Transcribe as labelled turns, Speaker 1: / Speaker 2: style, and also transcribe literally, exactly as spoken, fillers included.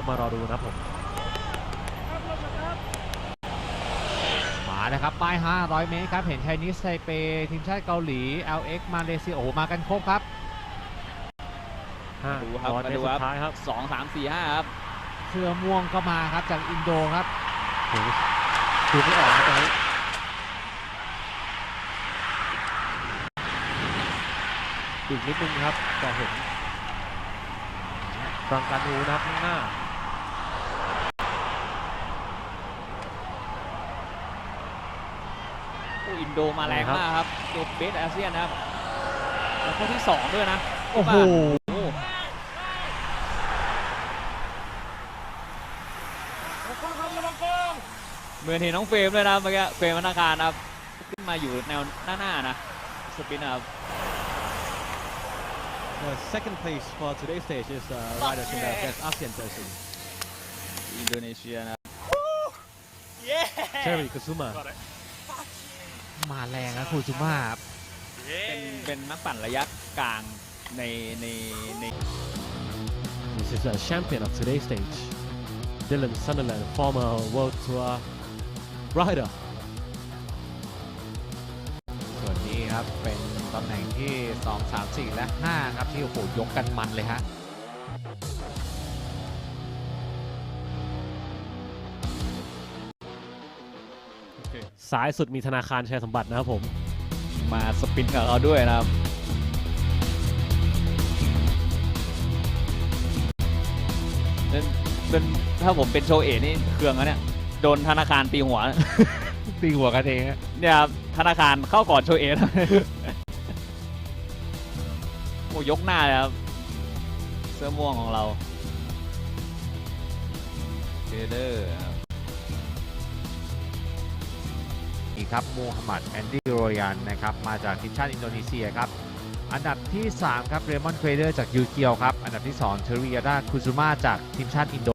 Speaker 1: มารอดูนะผม
Speaker 2: มาแล้วครับป้ายห้าร้อยเมตรครับเห็นไชนีสไทเปทีมชาติเกาหลี แอล เอ็กซ์ มาเลเซียโอ้โหมากันครบครับ
Speaker 1: ห้า
Speaker 3: ดูครับ
Speaker 1: ร้อย
Speaker 3: มา
Speaker 1: เมต
Speaker 3: ดู
Speaker 1: รสุ
Speaker 3: ครั
Speaker 1: ด
Speaker 3: บ
Speaker 1: ท้ายครับ
Speaker 3: สองสามสี่ห้าครับ
Speaker 2: เสื้อม่วงก็มาครับจากอินโดครับ
Speaker 1: โอ้โหดูไม่ออกนะตอนนี้อีกนิดนึงครับจะเห็นฟรังกานูนะครับข้างหน้า
Speaker 3: โอ้อินโดมาแรงมากครับตัวเบสอาเซียนนะครับแล้วก็ที่สองด้วยนะ
Speaker 2: โอ้โห
Speaker 3: โอ้ เหมือนเห็นน้องเฟรมเลยนะเมื่อกี้เฟรมธนาคารนะครับขึ้นมาอยู่แนวหน้าหน้านะสปินนะครับ
Speaker 4: The second place for today's stage is uh, riders in the best ASEAN jersey.
Speaker 3: อินโดนีเซียนะ
Speaker 4: Terry Kusuma.
Speaker 2: มาแรงนะคูซูมาครับ
Speaker 3: เป็นเป็นนักปั่นระยะกลางในในใน
Speaker 4: This is a champion of today's stage. Dylan Sunderland, former World Tour rider.
Speaker 2: ส่วนนี้ครับเป็นตำแหน่งที่สอง สาม สี่ และ ห้า ครับที่โอ้โหยกกันมันเลยฮะ
Speaker 1: ซ้ายสุดมีธนาคารชัยสมบัตินะครับผม
Speaker 3: มาสปินกับเราด้วยนะครับเป็นเป็นถ้าผมเป็นโชเอะนี่เครื่องแล้วเนี่ยโดนธนาคารตีหัว
Speaker 2: ตีหัวกันเองฮะ
Speaker 3: เนี่ยครับธนาคารเข้าก่อนโชเอะนะ โอ้ยกหน้าเลยครับเสื้อม่วงของเราเจเดอร์
Speaker 2: นี่ครับมูฮัมหมัดแอนดี้โรยันนะครับมาจากทีมชาติอินโดนีเซียครับอันดับที่ สาม ครับเรมอนเควเดอร์จากยูเกียวครับอันดับที่ สอง เทริยาดาคุซูมาจากทีมชาติอินโด